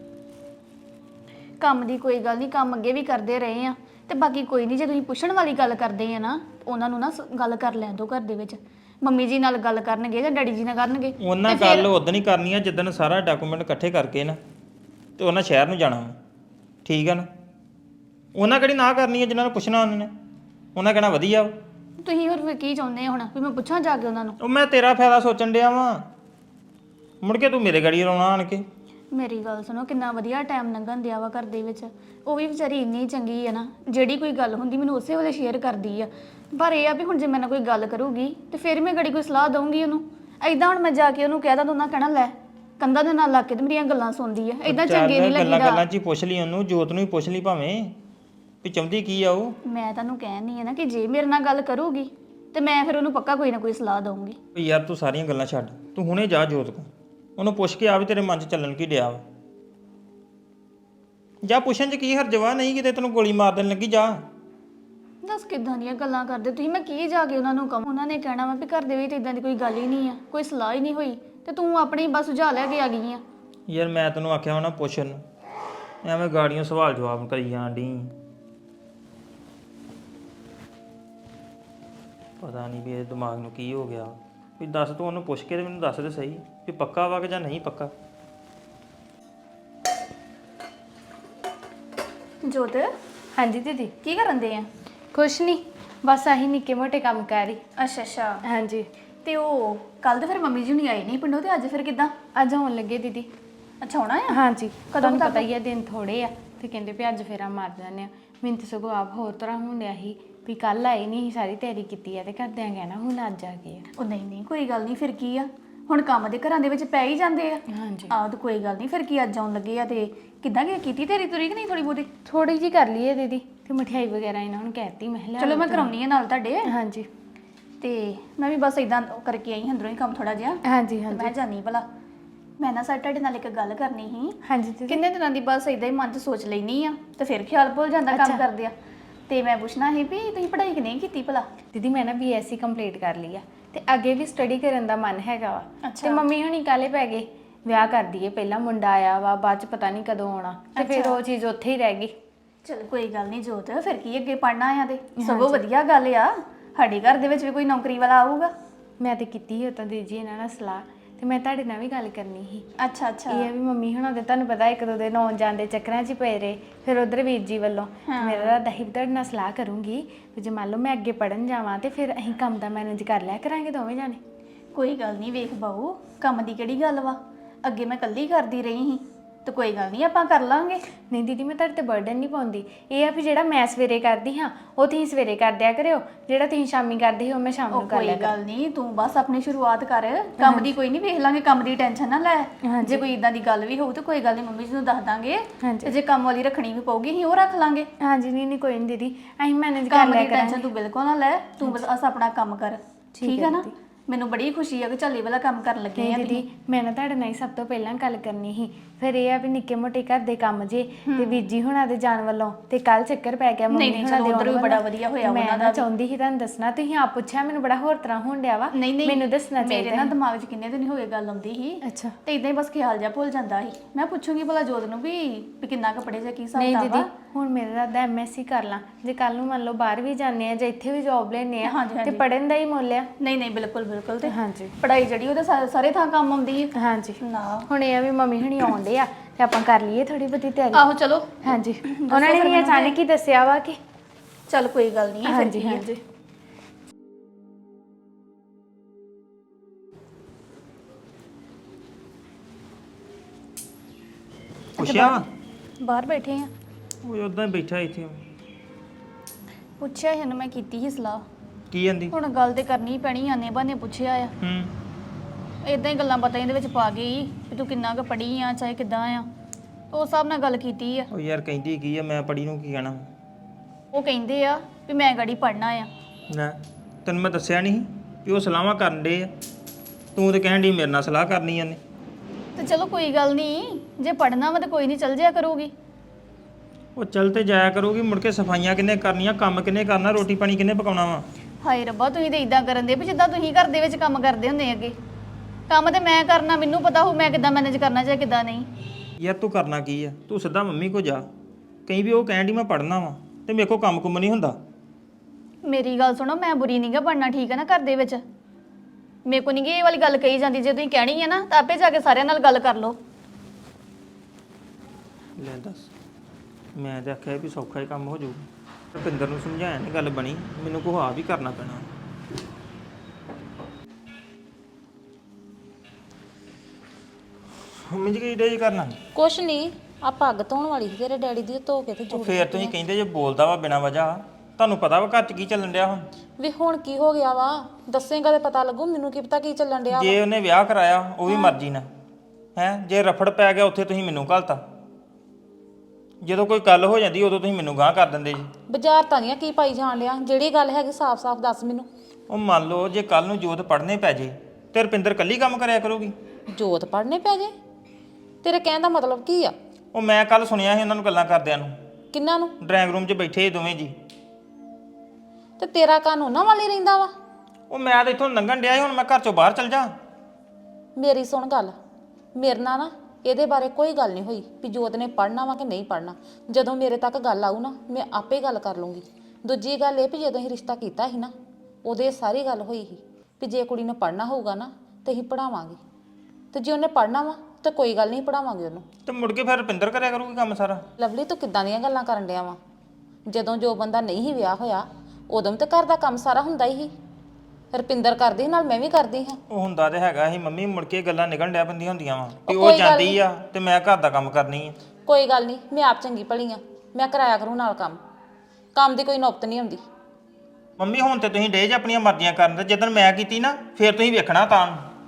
S2: ਕੰਮ ਦੀ ਕੋਈ ਗੱਲ ਨਹੀਂ, ਕੰਮ ਅੱਗੇ ਵੀ ਕਰਦੇ ਰਹੇ ਆ, ਤੇ ਬਾਕੀ ਕੋਈ ਨਹੀਂ, ਜੇ ਤੁਸੀਂ ਪੁੱਛਣ ਵਾਲੀ ਗੱਲ ਕਰਦੇ ਆ ਨਾ, ਉਹਨਾਂ ਨੂੰ ਨਾ ਗੱਲ ਕਰ ਲੈਣ ਦਿਓ ਘਰ ਦੇ ਵਿੱਚ। ਮੰਮੀ ਜੀ ਨਾਲ ਗੱਲ ਕਰਨਗੇ ਜਾਂ ਡੈਡੀ ਜੀ ਨਾਲ ਕਰਨਗੇ।
S7: ਉਹਨਾਂ ਗੱਲ ਉਦੋਂ ਹੀ ਕਰਨੀ ਆ ਜਿੱਦਣ ਸਾਰਾ ਡਾਕੂਮੈਂਟ ਇਕੱਠੇ ਕਰਕੇ ਨਾ, ਤੇ ਉਹਨਾਂ ਸ਼ਹਿਰ ਨੂੰ ਜਾਣਾ ਵਾ, ਠੀਕ ਆ ਨਾ? ਉਹਨਾਂ ਕਿਹੜੀ ਨਾ ਕਰਨੀ ਆ ਜਿਨ੍ਹਾਂ ਨੂੰ ਪੁੱਛਣਾ ਉਹਨਾਂ ਨੇ? ਉਹਨਾਂ ਕਹਿਣਾ ਵਧੀਆ ਵਾ।
S2: ਤੁਸੀਂ ਹੋਰ ਫਿਰ ਕੀ ਚਾਹੁੰਦੇ ਹੁਣ ਵੀ ਮੈਂ ਪੁੱਛਾਂ ਜਾ ਕੇ ਉਹਨਾਂ ਨੂੰ?
S7: ਉਹ ਮੈਂ ਤੇਰਾ ਫਾਇਦਾ ਸੋਚਣ ਡਿਆ ਵਾਂ, ਮੁੜ ਕੇ ਤੂੰ ਮੇਰੇ ਗਾੜੀ ਰੋਣਾ ਆਣ ਕੇ।
S2: ਮੇਰੀ ਗੱਲ ਸੁਣੋ, ਕਿੰਨਾ ਵਧੀਆ ਟਾਈਮ ਲੰਘਣ ਦਿਆ ਵਾ ਘਰ ਦੇ ਵਿੱਚ। ਉਹ ਵੀ ਵਿਚਾਰੀ ਇੰਨੀ ਚੰਗੀ ਆ ਨਾ, ਜਿਹੜੀ ਕੋਈ ਗੱਲ ਹੁੰਦੀ ਮੈਨੂੰ ਉਸੇ ਵੇਲੇ ਸ਼ੇਅਰ ਕਰਦੀ ਆ। ਪਰ ਇਹ ਆ ਵੀ ਹੁਣ ਜੇ ਮੇਰੇ ਨਾਲ ਕੋਈ ਗੱਲ ਕਰੂਗੀ ਤੇ ਫਿਰ ਮੈਂ ਗੜੀ ਕੋਈ ਸਲਾਹ ਦਊਂਗੀ ਉਹਨੂੰ। ਐਦਾਂ ਹੁਣ ਮੈਂ ਜਾ ਕੇ ਉਹਨੂੰ ਕਹਿ ਦਾਂ ਤਾਂ ਉਹਨਾਂ ਕਹਿਣਾ ਲੈ ਕੰਧਾਂ ਦੇ ਨਾਲ ਲੱਗ ਕੇ ਤੇ ਮੇਰੀਆਂ ਗੱਲਾਂ ਸੁਣਦੀ ਆ। ਐਦਾਂ ਚੰਗੇ ਨਹੀਂ
S7: ਗੱਲਾਂ
S2: ਲੱਗੀਦਾ।
S7: ਗੱਲਾਂ 'ਚ ਹੀ ਪੁੱਛ ਲਈ ਉਹਨੂੰ, ਜੋਤ ਨੂੰ ਹੀ ਪੁੱਛ ਲਈ ਭਾਵੇਂ ਵੀ ਚਾਹੁੰਦੀ ਕੀ ਆ ਉਹ।
S2: ਮੈਂ ਤੁਹਾਨੂੰ ਕਹਿਣੀ ਆ ਨਾ ਕਿ ਜੇ ਮੇਰੇ ਨਾਲ ਗੱਲ ਕਰੂਗੀ ਤੇ ਮੈਂ ਫਿਰ ਉਹਨੂੰ ਪੱਕਾ ਕੋਈ ਨਾ ਕੋਈ ਸਲਾਹ ਦਊਂਗੀ।
S7: ਵੀ ਯਾਰ ਤੂੰ ਸਾਰੀਆਂ ਗੱਲਾਂ ਛੱਡ, ਤੂੰ ਹੁਣੇ ਜਾ ਜੋਤ ਕੋਲ, ਉਹਨੂੰ ਪੁੱਛ ਕੇ ਆ ਵੀ ਤੇਰੇ ਮਨ 'ਚ ਚੱਲਣ ਕੀ ਡਿਆ ਵਾ। ਜਾਂ ਪੁੱਛਣ 'ਚ ਕੀ ਹਰਜਵਾ, ਨਹੀਂ ਕਿਤੇ ਤੈਨੂੰ ਗੋਲੀ ਮਾਰ ਦੇਣ ਲੱਗੀ। ਜਾ
S2: ਦੱਸ ਕਿੱਦਾਂ ਦੀਆਂ ਗੱਲਾਂ ਕਰਦੇ ਤੁਸੀਂ? ਮੈਂ ਕੀ ਜਾ ਕੇ ਉਹਨਾਂ ਨੂੰ ਕਹਾਂ? ਉਹਨਾਂ ਨੇ ਕਹਿਣਾ ਵਾ ਵੀ ਘਰ ਦੇ ਵਿੱਚ ਇਦਾਂ ਦੀ ਕੋਈ ਗੱਲ ਹੀ ਨਹੀਂ ਆ, ਕੋਈ ਸਲਾਹ ਹੀ ਨਹੀਂ ਹੋਈ, ਤੇ ਤੂੰ ਆਪਣੀ ਬਸ ਸੁਝਾਅ ਲੈ ਕੇ ਆ ਗਈ ਆ।
S7: ਯਾਰ ਮੈਂ ਤੈਨੂੰ ਆਖਿਆ ਹੋਣਾ ਪੁੱਛਣ ਨੂੰ, ਐਵੇਂ ਗਾੜੀਆਂ ਸਵਾਲ ਜਵਾਬ ਕਰੀ ਜਾਣ ਡਈ। ਪਤਾ ਨਹੀਂ ਵੀ ਇਹ ਦਿਮਾਗ ਨੂੰ ਕੀ ਹੋ ਗਿਆ। ਵੀ ਦੱਸ ਤੂੰ ਉਹਨੂੰ ਪੁੱਛ ਕੇ ਤੇ ਮੈਨੂੰ ਦੱਸ ਦੇ ਸਹੀ ਵੀ ਪੱਕਾ ਵਾ ਕਿ ਜਾਂ ਨਹੀਂ ਪੱਕਾ।
S2: ਜੋਤ
S6: ਹਾਂਜੀ ਦੀਦੀ
S2: ਕੀ ਕਰਨ ਦੇ ਆ?
S6: ਕੁਛ ਨਹੀਂ, ਬਸ ਆਹੀ ਨਿੱਕੇ ਮੋਟੇ ਕੰਮ ਕਰ ਰਹੀ।
S2: ਅੱਛਾ ਅੱਛਾ।
S6: ਹਾਂਜੀ,
S2: ਤੇ ਉਹ ਕੱਲ ਤੇ ਫਿਰ ਮੰਮੀ ਜੀ ਨਹੀਂ ਆਏ ਨਹੀਂ ਪਿੰਡੋਂ, ਤੇ ਅੱਜ ਫਿਰ ਕਿੱਦਾਂ?
S6: ਅੱਜ ਆਉਣ ਲੱਗੇ ਦੀਦੀ।
S2: ਅੱਛਾ ਆਉਣਾ ਆ?
S6: ਹਾਂਜੀ,
S2: ਕਦੋਂ
S6: ਤੁਹਾਨੂੰ
S2: ਤੱਕ?
S6: ਪਤਾ ਹੀ ਆ ਦਿਨ ਥੋੜੇ ਆ ਤੇ ਕਹਿੰਦੇ ਵੀ ਅੱਜ ਫੇਰਾ ਮਾਰ ਜਾਂਦੇ ਆ। ਮੈਨੂੰ ਤਾਂ ਸਗੋਂ ਆਪ ਹੋਰ ਤਰ੍ਹਾਂ ਹੋਣ ਡਿਆ ਸੀ ਵੀ ਕੱਲ ਆਏ ਨਹੀਂ, ਸਾਰੀ ਤਿਆਰੀ ਕੀਤੀ ਆ ਤੇ ਘਰਦਿਆਂ ਕਹਿਣਾ ਹੁਣ ਅੱਜ ਆ ਗਏ ਆ।
S2: ਉਹ ਨਹੀਂ ਨਹੀਂ ਕੋਈ ਗੱਲ ਨਹੀਂ, ਫਿਰ ਕੀ ਆ, ਹੁਣ ਕੰਮ ਦੇ ਘਰਾਂ ਦੇ ਵਿੱਚ ਪੈ ਹੀ ਜਾਂਦੇ ਆ।
S6: ਹਾਂਜੀ,
S2: ਆਹ ਤਾਂ ਕੋਈ ਗੱਲ ਨਹੀਂ, ਫਿਰ ਕੀ ਅੱਜ ਆਉਣ ਲੱਗੇ ਆ ਤੇ ਕਿੱਦਾਂ ਕੀ ਕੀਤੀ ਤੇਰੀ ਤੁਰੀ ਕਿ ਨਹੀਂ ਥੋੜੀ ਬਹੁਤੀ?
S6: ਥੋੜੀ ਜੀ ਕਰ ਲਈ ਹੈ ਦੀਦੀ, ਤੇ ਮਠਿਆਈ ਵਗੈਰਾ ਇਹਨਾਂ ਨੂੰ ਕਹਿਤੀ ਮੈਂ ਲਿਆ।
S2: ਚਲੋ ਮੈਂ ਕਰਾਉਣੀ ਆ ਨਾਲ ਤੁਹਾਡੇ।
S6: ਹਾਂਜੀ
S2: ਤੇ ਮੈਂ ਵੀ ਬਸ ਇਦਾਂ ਕਰਕੇ ਆਈ ਅੰਦਰੋਂ ਹੀ ਕੰਮ ਥੋੜਾ ਜਿਹਾ।
S6: ਹਾਂਜੀ
S2: ਤੇ
S6: ਹਾਂਜੀ
S2: ਮੈਂ ਜਾਣੀ ਭਲਾ, ਮੈਂ ਨਾ ਸਰ ਤੁਹਾਡੇ ਨਾਲ ਇੱਕ ਗੱਲ ਕਰਨੀ ਸੀ।
S6: ਹਾਂਜੀ ਦੀਦੀ।
S2: ਕਿੰਨੇ ਦਿਨਾਂ ਦੀ ਬਸ ਇਦਾਂ ਹੀ ਮਨ 'ਚ ਸੋਚ ਲੈਣੀ ਆ ਤੇ ਫਿਰ ਖਿਆਲ ਭੁੱਲ ਜਾਂਦਾ ਕੰਮ ਕਰਦੇ ਆ। ਤੇ ਮੈਂ ਪੁੱਛਣਾ ਸੀ ਵੀ ਤੁਸੀਂ ਪੜ੍ਹਾਈ ਕਿ ਨਹੀਂ ਕੀਤੀ ਭਲਾ?
S6: ਦੀਦੀ ਮੈਂ ਨਾ BSc ਕੰਪਲੀਟ ਕਰ ਲਈ ਆ ਤੇ ਅੱਗੇ ਵੀ ਸਟੱਡੀ ਕਰਨ ਦਾ ਮਨ ਹੈਗਾ ਵਾ।
S2: ਅੱਛਾ।
S6: ਤੇ ਮੰਮੀ ਹੁਣੀ ਕਾਲੇ ਪੈ ਗਏ ਵਿਆਹ ਕਰ ਦਈਏ, ਪਹਿਲਾਂ ਮੁੰਡਾ ਆਇਆ ਵਾ, ਬਾਅਦ ਚ ਪਤਾ ਨਹੀਂ ਕਦੋਂ ਆਉਣਾ, ਤੇ ਫਿਰ ਉਹ ਚੀਜ਼ ਉੱਥੇ ਹੀ ਰਹਿ ਗਈ।
S2: ਚਲ ਕੋਈ ਗੱਲ ਨਹੀਂ ਜੋਤ, ਫਿਰ ਕੀ ਅੱਗੇ ਪੜ੍ਹਨਾ ਆ ਤੇ ਸਗੋਂ ਵਧੀਆ ਗੱਲ ਆ, ਸਾਡੇ ਘਰ ਦੇ ਵਿੱਚ ਵੀ ਕੋਈ ਨੌਕਰੀ ਵਾਲਾ ਆਊਗਾ।
S6: ਮੈਂ ਤੇ ਕੀਤੀ ਸੀ ਉਦੋਂ ਦੀਦੀ ਇਹਨਾਂ ਨਾਲ ਸਲਾਹ, ਤੇ ਮੈਂ ਤੁਹਾਡੇ ਨਾਲ ਵੀ ਗੱਲ ਕਰਨੀ ਸੀ।
S2: ਅੱਛਾ ਅੱਛਾ।
S6: ਇਹ ਆ ਵੀ ਮੰਮੀ ਹੁਣਾਂ ਦੇ ਤੁਹਾਨੂੰ ਪਤਾ ਇੱਕ ਦੋ ਦਿਨ ਆਉਣ ਜਾਣ ਦੇ ਚੱਕਰਾਂ 'ਚ ਹੀ ਪਏ ਰਹੇ, ਫਿਰ ਉਧਰ ਵੀਰ ਜੀ ਵੱਲੋਂ ਤੇ ਮੇਰਾ ਇਰਾਦਾ ਸੀ ਵੀ ਤੁਹਾਡੇ ਨਾਲ ਸਲਾਹ ਕਰੂੰਗੀ ਵੀ ਜੇ ਮੰਨ ਲਓ ਮੈਂ ਅੱਗੇ ਪੜਨ ਜਾਵਾਂ ਤੇ ਫਿਰ ਅਸੀਂ ਕੰਮ ਦਾ ਮੈਨੇਜ ਕਰ ਲਿਆ ਕਰਾਂਗੇ ਦੋਵੇਂ ਜਾਣੇ।
S2: ਕੋਈ ਗੱਲ ਨਹੀਂ, ਵੇਖ ਬਾਊ ਕੰਮ ਦੀ ਕਿਹੜੀ ਗੱਲ ਵਾ, ਅੱਗੇ ਮੈਂ ਇਕੱਲੀ ਕਰਦੀ ਰਹੀ ਸੀ ਤੇ ਕੋਈ ਗੱਲ ਨਹੀਂ ਆਪਾਂ ਕਰ ਲਾਂਗੇ।
S6: ਨਹੀਂ ਦੀਦੀ ਮੈਂ ਤੁਹਾਡੇ ਤੇ ਬਰਡਨ ਨਹੀਂ ਪਾਉਂਦੀ, ਇਹ ਆ ਵੀ ਜਿਹੜਾ ਮੈਂ ਸਵੇਰੇ ਕਰਦੀ ਹਾਂ ਉਹ ਤੁਸੀਂ ਸਵੇਰੇ ਕਰ ਦਿਆ ਕਰਿਓ, ਜਿਹੜਾ ਤੁਸੀਂ ਸ਼ਾਮੀ ਕਰਦੇ ਹੋ ਮੈਂ ਸ਼ਾਮ ਨੂੰ ਕਰ
S2: ਕੋਈ
S6: ਲਿਆ ਕਰਾਂ।
S2: ਗੱਲ ਨਹੀਂ, ਤੂੰ ਬਸ ਆਪਣੀ ਸ਼ੁਰੂਆਤ ਕਰ, ਕੰਮ ਦੀ ਕੋਈ ਨਹੀਂ ਵੇਖ ਲਾਂਗੇ, ਕੰਮ ਦੀ ਟੈਨਸ਼ਨ ਨਾ ਲੈ। ਜੇ ਕੋਈ ਇਦਾਂ ਦੀ ਗੱਲ ਵੀ ਹੋਊ ਤਾਂ ਕੋਈ ਗੱਲ ਨਹੀਂ, ਮੰਮੀ ਜੀ ਨੂੰ ਦੱਸ ਦਾਂਗੇ। ਤੇ ਜੇ ਕੰਮ ਵਾਲੀ ਰੱਖਣੀ ਵੀ ਪਊਗੀ ਅਸੀਂ ਉਹ ਰੱਖ ਲਾਂਗੇ।
S6: ਹਾਂਜੀ ਨਹੀਂ ਨਹੀਂ ਕੋਈ ਨਹੀਂ ਦੀਦੀ, ਅਸੀਂ ਮੈਨੇਜ ਕਰ
S2: ਕੰਮ
S6: ਲਿਆ
S2: ਦੀ
S6: ਕਰਾਂਗੇ।
S2: ਟੈਨਸ਼ਨ ਤੂੰ ਬਿਲਕੁਲ ਨਾ ਲੈ, ਤੂੰ ਬਸ ਆਪਣਾ ਕੰਮ ਕਰ, ਠੀਕ ਹੈ ਨਾ? ਮੈਨੂੰ ਬੜੀ ਖੁਸ਼ੀ ਆ ਕਿ ਝੱਲੀ ਵਾਲਾ ਕੰਮ ਕਰਨ ਲੱਗੇ ਆ।
S6: ਦੀਦੀ ਮੈਂ ਨਾ ਤੁਹਾਡੇ ਨਾਲ ਹੀ ਸਭ ਤੋਂ ਪਹਿਲਾਂ ਗੱਲ ਕਰਨੀ ਸੀ, ਫਿਰ ਇਹ ਆ ਵੀ ਨਿੱਕੇ ਮੋਟੇ ਘਰ ਦੇ ਕੰਮ ਜੇ ਤੇ ਵੀਰ ਜੀ ਹੁਣਾਂ ਦੇ ਜਾਣ ਵੱਲੋਂ ਤੇ ਕੱਲ ਚੱਕਰ ਪੈ ਗਿਆ ਮੰਮੀ ਹੁਣਾਂ ਦੇ
S2: ਉਧਰ ਵੀ ਬੜਾ ਵਧੀਆ ਹੋਇਆ ਉਹਨਾਂ ਦਾ।
S6: ਮੈਂ ਚਾਹੁੰਦੀ ਸੀ ਤੁਹਾਨੂੰ ਦੱਸਣਾ, ਤੁਸੀਂ ਆਪ ਪੁੱਛਿਆ ਮੈਨੂੰ ਬੜਾ ਹੋਰ ਤਰ੍ਹਾਂ ਹੋਣ ਡਿਆ ਵਾ, ਮੈਨੂੰ ਦੱਸਣਾ ਚਾਹੀਦਾ।
S2: ਮੇਰੇ ਨਾ ਦਿਮਾਗ 'ਚ ਕਿੰਨੇ ਦਿਨ ਹੋਏ ਗੱਲ ਆਉਂਦੀ ਸੀ।
S6: ਅੱਛਾ।
S2: ਤੇ ਇਦਾਂ ਹੀ ਬਸ ਖਿਆਲ ਜਿਹਾ ਭੁੱਲ ਜਾਂਦਾ ਸੀ। ਮੈਂ ਪੁੱਛੂਗੀ ਭਲਾ ਜੋਤ ਨੂੰ ਵੀ ਕਿੰਨਾ ਕੱਪੜੇ ਜਾਂ ਕੀ ਹਿਸਾਬ
S6: ਨਹੀਂ
S2: ਦਾ
S6: ਦੀਦੀ
S2: ਵਾ।
S6: ਹੁਣ ਮੇਰਾ ਇਰਾਦਾ MSc ਕਰ ਲਾਂ, ਜੇ ਕੱਲ ਨੂੰ ਮੰਨ ਲਓ ਬਾਹਰ ਵੀ ਜਾਂਦੇ ਆ ਜਾਂ ਇੱਥੇ ਵੀ ਜੌਬ ਲੈਣੇ ਆ ਤੇ ਪੜਨ ਦਾ ਹੀ ਮੁੱਲ ਆ।
S2: ਨਹੀਂ ਨਹੀਂ ਬਿਲਕੁਲ ਬਿਲਕੁਲ। ਤੇ
S6: ਹਾਂਜੀ
S2: ਪੜਾਈ ਜਿਹੜੀ ਉਹਦੇ ਸਾਰੇ ਥਾਂ ਕੰਮ ਆਉਂਦੀ ਹੈ।
S6: ਹਾਂਜੀ
S2: ਨਾ
S6: ਹੁਣ ਇਹ ਆ ਵੀ ਮੰਮੀ ਹੁਣੀ ਆਉਂਦੇ ਆ ਤੇ ਆਪਾਂ ਕਰ ਲਈਏ ਥੋੜੀ ਬਹੁਤੀ ਤਿਆਰੀ।
S2: ਆਹੋ ਚਲੋ।
S6: ਹਾਂਜੀ ਉਹਨਾਂ ਨੇ ਵੀ ਅਚਾਨਕ ਹੀ ਦੱਸਿਆ ਵਾ ਕਿ
S2: ਚੱਲ ਕੋਈ ਗੱਲ ਨਹੀਂ।
S6: ਹਾਂਜੀ ਹਾਂਜੀ
S7: ਪੁੱਛਿਆ ਵਾ?
S2: ਬਾਹਰ ਬੈਠੇ ਆ।
S7: ਉਹ ਉਦਾਂ ਹੀ ਬੈਠਾ ਇੱਥੇ।
S2: ਪੁੱਛਿਆ ਇਹਨੂੰ ਮੈਂ ਕੀਤੀ ਸੀ ਸਲਾਹ,
S7: ਕੀ ਜਾਂਦੀ?
S2: ਹੁਣ ਗੱਲ ਤੇ ਕਰਨੀ ਹੀ ਪੈਣੀ, ਆਨੇ ਬਾਨੇ ਪੁੱਛਿਆ ਆ। ਇਦਾਂ ਹੀ ਗੱਲਾਂ ਬਾਤਾਂ ਇਹਦੇ ਵਿੱਚ ਪਾ ਗਈ ਵੀ ਤੂੰ ਕਿੰਨਾ ਕੁ ਪੜ੍ਹੀ ਆ ਚਾਹੇ ਕਿੱਦਾਂ ਆ, ਉਸ ਹਿਸਾਬ ਨਾਲ ਗੱਲ ਕੀਤੀ ਆ।
S7: ਉਹ ਯਾਰ ਕਹਿੰਦੀ ਕੀ ਆ, ਮੈਂ ਪੜੀ ਨੂੰ ਕੀ ਕਹਿਣਾ?
S2: ਉਹ ਕਹਿੰਦੇ ਆ ਵੀ ਮੈਂ ਗਾੜੀ ਪੜ੍ਹਨਾ ਆ।
S7: ਨਾ ਤੈਨੂੰ ਮੈਂ ਦੱਸਿਆ ਨਹੀਂ ਵੀ ਉਹ ਸਲਾਹਾਂ ਕਰਨ ਦੇ ਆ, ਤੂੰ ਤੇ ਕਹਿਣ ਦੀ ਮੇਰੇ ਨਾਲ ਸਲਾਹ ਕਰਨੀ ਇਹਨੇ।
S2: ਤੇ ਚਲੋ ਕੋਈ ਗੱਲ ਨਹੀਂ, ਜੇ ਪੜ੍ਹਨਾ ਵਾ ਤਾਂ ਕੋਈ ਨਹੀਂ, ਚੱਲ ਜਾਇਆ ਕਰੂਗੀ।
S7: ਉਹ ਚੱਲ ਤੇ ਜਾਇਆ ਕਰੂਗੀ, ਮੁੜ ਕੇ ਸਫਾਈਆਂ ਕਿੰਨੇ ਕਰਨੀਆਂ, ਕੰਮ ਕਿੰਨੇ ਕਰਨਾ, ਰੋਟੀ ਪਾਣੀ ਕਿੰਨੇ ਪਕਾਉਣਾ ਵਾ?
S2: ਹਾਏ ਰੱਬਾ, ਤੁਸੀਂ ਤੇ ਇਦਾਂ ਕਰਨ ਦੇ ਵੀ ਜਿੱਦਾਂ ਤੁਸੀਂ ਘਰ ਦੇ ਵਿੱਚ ਕੰਮ ਕਰਦੇ ਹੁੰਦੇ ਅੱਗੇ। ਕੰਮ ਤੇ ਮੈਂ ਕਰਨਾ, ਮੈਨੂੰ ਪਤਾ ਹੋ ਮੈਂ ਕਿੱਦਾਂ ਮੈਨੇਜ ਕਰਨਾ ਚਾਹੇ ਕਿੱਦਾਂ ਨਹੀਂ।
S7: ਯਾਰ ਤੂੰ ਕਰਨਾ ਕੀ ਆ? ਤੂੰ ਸਿੱਧਾ ਮੰਮੀ ਕੋ ਜਾ, ਕਹੀਂ ਵੀ ਉਹ ਕਹਿਣ ਦੀ ਮੈਂ ਪੜ੍ਹਨਾ ਵਾ ਤੇ ਮੇਰੇ ਕੋ ਕੰਮ ਕੁੰਮ ਨਹੀਂ ਹੁੰਦਾ।
S2: ਮੇਰੀ ਗੱਲ ਸੁਣੋ, ਮੈਂ ਬੁਰੀ ਨਹੀਂ ਗਾ ਬਣਨਾ, ਠੀਕ ਹੈ ਨਾ? ਘਰ ਦੇ ਵਿੱਚ ਮੇਰੇ ਕੋ ਨਹੀਂ ਇਹ ਵਾਲੀ ਗੱਲ ਕਹੀ ਜਾਂਦੀ, ਜੇ ਤੁਸੀਂ ਕਹਿਣੀ ਹੈ ਨਾ ਤਾਂ ਆਪੇ ਜਾ ਕੇ ਸਾਰਿਆਂ ਨਾਲ ਗੱਲ ਕਰ ਲਓ।
S7: ਲੈ ਦੱਸ, ਮੈਂ ਤਾਂ ਆਖਿਆ ਵੀ ਸੌਖਾ ਹੀ ਕੰਮ ਹੋ ਜਾਊ। ਰੁਪਿੰਦਰ ਨੂੰ ਸਮਝਾਇਆ ਨਹੀਂ ਗੱਲ ਬਣੀ, ਮੈਨੂੰ ਕੋ ਆ ਵੀ ਕਰਨਾ ਪੈਣਾ। ਮੰਮੀ ਜੀ ਕੀ ਡੇ ਜੀ ਕਰਨਾ?
S5: ਕੁਛ ਨਹੀਂ, ਆ ਪੱਗ ਧੋਣ ਵਾਲੀ ਸੀ ਤੇਰੇ ਡੈਡੀ ਦੀ, ਧੋ ਕੇ ਤੇ ਜੋੜ।
S7: ਫੇਰ ਤੁਸੀਂ ਕਹਿੰਦੇ ਜੇ ਬੋਲਦਾ ਵਾ ਬਿਨਾਂ ਵਜ੍ਹਾ, ਤੁਹਾਨੂੰ ਪਤਾ ਵਾ ਘਰ 'ਚ ਕੀ ਚੱਲਣ ਡਿਆ ਹੁਣ?
S5: ਵੀ ਹੁਣ ਕੀ ਹੋ ਗਿਆ ਵਾ, ਦੱਸੇਗਾ ਤੇ ਪਤਾ ਲੱਗੂ, ਮੈਨੂੰ ਕੀ ਪਤਾ ਕੀ ਚੱਲਣ ਡਿਆ ਵਾ।
S7: ਜੇ ਉਹਨੇ ਵਿਆਹ ਕਰਾਇਆ ਉਹ ਵੀ ਮਰਜ਼ੀ ਨਾਲ ਹੈ, ਜੇ ਰਫੜ ਪੈ ਗਿਆ ਉੱਥੇ ਤੁਸੀਂ ਮੈਨੂੰ ਘਲਤਾ, ਜਦੋਂ ਕੋਈ ਗੱਲ ਹੋ ਜਾਂਦੀ ਉਦੋਂ ਤੁਸੀਂ ਮੈਨੂੰ ਗਾਂਹ ਕਰ ਦਿੰਦੇ ਜੀ।
S5: ਬਾਜ਼ਾਰ ਤਾਂ ਦੀਆਂ ਕੀ ਪਾਈ ਜਾਣ ਡਿਆ, ਜਿਹੜੀ ਗੱਲ ਹੈਗੀ ਸਾਫ਼-ਸਾਫ਼ ਦੱਸ ਮੈਨੂੰ।
S7: ਉਹ ਮੰਨ ਲਓ ਜੇ ਕੱਲ ਨੂੰ ਜੋਤ ਪੜ੍ਹਨੇ ਪੈ ਜੇ ਤੇ ਰੁਪਿੰਦਰ ਕੱਲੀ ਕੰਮ ਕਰਿਆ ਕਰੂਗੀ?
S5: ਜੋਤ ਪੜ੍ਹਨੇ ਪੈ ਜੇ? ਤੇਰੇ ਕਹਿਣ ਦਾ ਮਤਲਬ ਕੀ ਆ?
S7: ਉਹ ਮੈਂ ਕੱਲ ਸੁਣਿਆ ਸੀ ਉਹਨਾਂ ਨੂੰ ਗੱਲਾਂ ਕਰਦਿਆਂ ਨੂੰ,
S5: ਕਿੰਨਾਂ ਨੂੰ?
S7: ਡਰਾਇੰਗ ਰੂਮ 'ਚ ਬੈਠੇ ਸੀ ਦੋਵੇਂ ਜੀ।
S5: ਤੇ ਤੇਰਾ ਕੰਨ ਉਹਨਾਂ ਵੱਲ ਹੀ ਰਹਿੰਦਾ ਵਾ?
S7: ਉਹ ਮੈਂ ਤਾਂ ਇੱਥੋਂ ਲੰਘਣ ਡਿਆ ਸੀ, ਹੁਣ ਮੈਂ ਘਰ ਚੋਂ ਬਾਹਰ ਚਲ ਜਾ?
S5: ਮੇਰੀ ਸੁਣ ਗੱਲ, ਮੇਰੇ ਨਾਲ ਨਾ ਇਹਦੇ ਬਾਰੇ ਕੋਈ ਗੱਲ ਨਹੀਂ ਹੋਈ ਵੀ ਜੋਤ ਨੇ ਪੜ੍ਹਨਾ ਵਾ ਕਿ ਨਹੀਂ ਪੜ੍ਹਨਾ। ਜਦੋਂ ਮੇਰੇ ਤੱਕ ਗੱਲ ਆਊ ਨਾ ਮੈਂ ਆਪੇ ਗੱਲ ਕਰ ਲੂੰਗੀ। ਦੂਜੀ ਗੱਲ ਇਹ ਵੀ ਜਦੋਂ ਅਸੀਂ ਰਿਸ਼ਤਾ ਕੀਤਾ ਸੀ ਨਾ ਉਹਦੇ ਸਾਰੀ ਗੱਲ ਹੋਈ ਸੀ ਵੀ ਜੇ ਕੁੜੀ ਨੇ ਪੜ੍ਹਨਾ ਹੋਊਗਾ ਨਾ ਤੇ ਅਸੀਂ ਪੜਾਵਾਂਗੇ, ਤੇ ਜੇ ਉਹਨੇ ਪੜ੍ਹਨਾ ਵਾ ਤਾਂ ਕੋਈ ਗੱਲ ਨਹੀਂ ਪੜਾਵਾਂਗੇ ਉਹਨੂੰ।
S7: ਤੇ ਮੁੜ ਕੇ ਫਿਰ ਰੁਪਿੰਦਰ ਕਰਿਆ ਕਰੂਗੀ ਕੰਮ ਸਾਰਾ।
S5: ਲਵਲੀ ਤੂੰ ਕਿੱਦਾਂ ਦੀਆਂ ਗੱਲਾਂ ਕਰਨ ਡਿਆ ਵਾ? ਜਦੋਂ ਜੋ ਬੰਦਾ ਨਹੀਂ ਸੀ ਵਿਆਹ ਹੋਇਆ ਉਦੋਂ ਤੇ ਘਰ ਦਾ ਕੰਮ ਸਾਰਾ ਹੁੰਦਾ ਹੀ। ਰੁਪਿੰਦਰ ਕਰਦੀ ਸੀ, ਨਾਲ ਮੈਂ ਵੀ ਕਰਦੀ ਹਾਂ।
S7: ਉਹ ਹੁੰਦਾ ਤੇ ਹੈਗਾ ਸੀ ਮੰਮੀ, ਮੁੜ ਕੇ ਗੱਲਾਂ ਨਿਕਲਣ ਡਿਆ ਪੈਂਦੀਆਂ ਹੁੰਦੀਆਂ ਵਾ ਤੇ ਉਹ ਜਾਂਦੀ ਆ ਤੇ ਮੈਂ ਘਰ ਦਾ ਕੰਮ ਕਰਨੀ ਆ।
S5: ਕੋਈ ਗੱਲ ਨਹੀਂ, ਮੈਂ ਆਪ ਚੰਗੀ ਭਲੀ ਆ, ਮੈਂ ਕਰਾਇਆ ਕਰੂੰ ਨਾਲ ਕੰਮ ਦੀ ਕੋਈ ਨੌਬਤ ਨਹੀਂ ਆਉਂਦੀ।
S7: ਮੰਮੀ ਹੁਣ ਤੇ ਤੁਸੀਂ ਡੇ ਆਪਣੀਆਂ ਮਰਜ਼ੀਆਂ ਕਰਨ ਤੇ ਜਦੋਂ ਮੈਂ ਕੀਤੀ ਨਾ ਫਿਰ ਤੁਸੀਂ ਵੇਖਣਾ ਤਾਂ।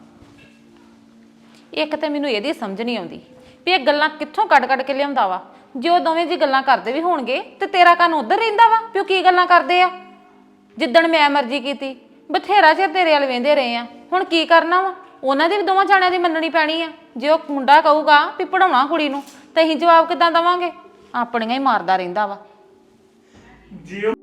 S5: ਇੱਕ ਤੇ ਮੈਨੂੰ ਇਹਦੀ ਸਮਝ ਨਹੀਂ ਆਉਂਦੀ ਵੀ ਇਹ ਗੱਲਾਂ ਕਿੱਥੋਂ ਕੱਢ ਕੇ ਲਿਆਉਂਦਾ ਵਾ। ਜੇ ਉਹ ਦੋਵੇਂ ਜੀ ਗੱਲਾਂ ਕਰਦੇ ਵੀ ਹੋਣਗੇ ਤੇ ਤੇਰਾ ਕੰਨ ਉਧਰ ਰਹਿੰਦਾ ਵਾ ਵੀ ਉਹ ਕੀ ਗੱਲਾਂ ਕਰਦੇ ਆ। ਜਿੱਦਣ ਮੈਂ ਮਰਜ਼ੀ ਕੀਤੀ ਬਥੇਰਾ ਚਿਰ ਤੇਰੇ ਵੱਲ ਵੇਂਦੇ ਰਹੇ ਆ, ਹੁਣ ਕੀ ਕਰਨਾ ਵਾ? ਉਹਨਾਂ ਦੀ ਵੀ ਦੋਵਾਂ ਜਾਣਿਆਂ ਦੀ ਮੰਨਣੀ ਪੈਣੀ ਆ। ਜੇ ਉਹ ਮੁੰਡਾ ਕਹੂਗਾ ਵੀ ਪੜਾਉਣਾ ਕੁੜੀ ਨੂੰ ਤੇ ਅਸੀਂ ਜਵਾਬ ਕਿੱਦਾਂ ਦੇਵਾਂਗੇ? ਆਪਣੀਆਂ ਹੀ ਮਾਰਦਾ ਰਹਿੰਦਾ ਵਾ।